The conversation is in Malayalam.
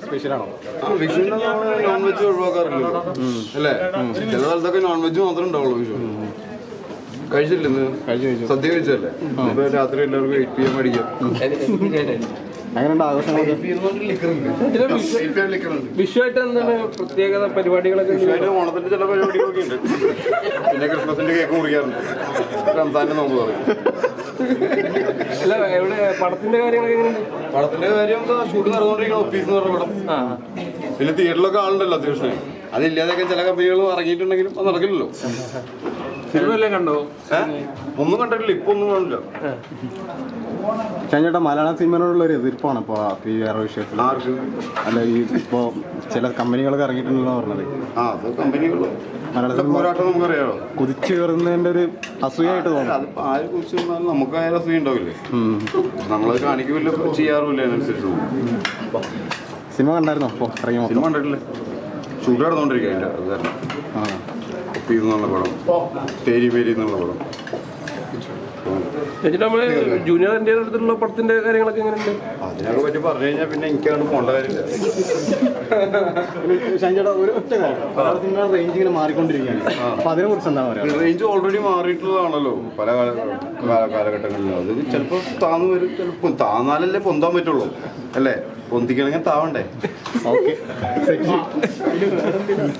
സ്പെഷ്യലാണോ? വിഷുവിന് നമ്മൾ നോൺ വെജ് ഒഴിവാക്കാറില്ലല്ലോ അല്ലേ? ചില സ്ഥലത്തൊക്കെ നോൺ വെജ് മാത്രമേ ഉണ്ടാവുള്ളൂ വിഷു. കഴിച്ചില്ല ഇന്ന്? സദ്യ കഴിച്ചല്ലേ? ഇപ്പൊ രാത്രി എല്ലാവർക്കും 8 PM അടിക്കാം. അങ്ങനെയുണ്ട് ആഘോഷങ്ങളൊക്കെ? വിഷുവായിട്ട് എന്താണ് പ്രത്യേകത പരിപാടികളൊക്കെ? വിഷുവായിട്ട് ഓണത്തിന്റെ ചില പരിപാടികളൊക്കെ ഉണ്ട്. പിന്നെ ക്രിസ്മസിന്റെ കേക്ക് മുറിക്കാറുണ്ട്. റംസാന്റെ നോമ്പ് പറയും. അല്ല, എവിടെ പടത്തിന്റെ കാര്യങ്ങളൊക്കെ എങ്ങനെയുണ്ട്? പടത്തിന്റെ കാര്യം ഷൂട്ട് നടന്നുകൊണ്ടിരിക്കണം. ഓഫീസ് എന്ന് പറഞ്ഞ പടം. പിന്നെ തിയേറ്ററിലൊക്കെ ആളുണ്ടല്ലോ അത്യാവശ്യം. അതില്ലാതെയൊക്കെ ചില കമ്പനികൾ ഇറങ്ങിയിട്ടുണ്ടെങ്കിലും അത് നടക്കില്ലല്ലോ. സിനിമ എല്ലാം കണ്ടോ? ഒന്നും കണ്ടിട്ടില്ല. ഇപ്പൊ ഒന്നും കാണില്ല. ചേട്ടാ, മലയാള സിനിമയോടുള്ള ഒരു എതിർപ്പാണ് ഇപ്പോൾ ഈ വേറെ വിഷയത്തിൽ. ആർക്ക്? അല്ല, ഈ ഇപ്പോൾ ചില കമ്പനികളൊക്കെ ഇറങ്ങിയിട്ടുണ്ടെന്ന് പറഞ്ഞത്. അത് കമ്പനികൾ മലയാള സിനിമ പോരാട്ടം നമുക്കറിയാമോ. കുതിച്ചു കയറുന്നതിന്റെ ഒരു അസൂയായിട്ട് തോന്നുന്നു. അതിപ്പോ ആര് കുറിച്ച് വന്നാലും നമുക്കായാലും അസൂയ ഉണ്ടാവില്ലേ? നമ്മളത് കാണിക്കില്ല, ചെയ്യാറുമില്ല. അതിനനുസരിച്ച് സിനിമ കണ്ടായിരുന്നോ? അപ്പോൾ ഇറങ്ങി സിനിമ കണ്ടിട്ടില്ല. ഷൂട്ട് നടന്നുകൊണ്ടിരിക്കുക അതിൻ്റെ. അത് കാരണം ഒപ്പീസ് എന്നുള്ള പടം, തേരി പേരി എന്നുള്ള പടം. നമ്മള് ജൂനിയർ എൻ്റെ അടുത്തുള്ള പടത്തിന്റെ കാര്യങ്ങളൊക്കെ എങ്ങനെയുണ്ട്? അതിനൊക്കെ പറ്റി പറഞ്ഞു കഴിഞ്ഞാൽ പിന്നെ എനിക്കങ്ങോട്ട് പോകേണ്ട കാര്യമില്ല. ചേട്ടാ, ഒരു ഒറ്റ കാര്യം, മലയാള സിനിമയുടെ റേഞ്ച് ഇങ്ങനെ മാറിക്കൊണ്ടിരിക്കുകയാണ്. അപ്പോൾ അതിനെ കുറിച്ച് എന്താ പറയുക? റേഞ്ച് ഓൾറെഡി മാറിയിട്ടുള്ളതാണല്ലോ പല കാലഘട്ടങ്ങളിലും. അത് ചിലപ്പോൾ താന്ന് വരും, ചിലപ്പോൾ താന്നാലല്ലേ പൊന്താൻ പറ്റുള്ളൂ അല്ലേ? പൊന്തിക്കണമെങ്കിൽ താവണ്ടേ? ഓക്കെ.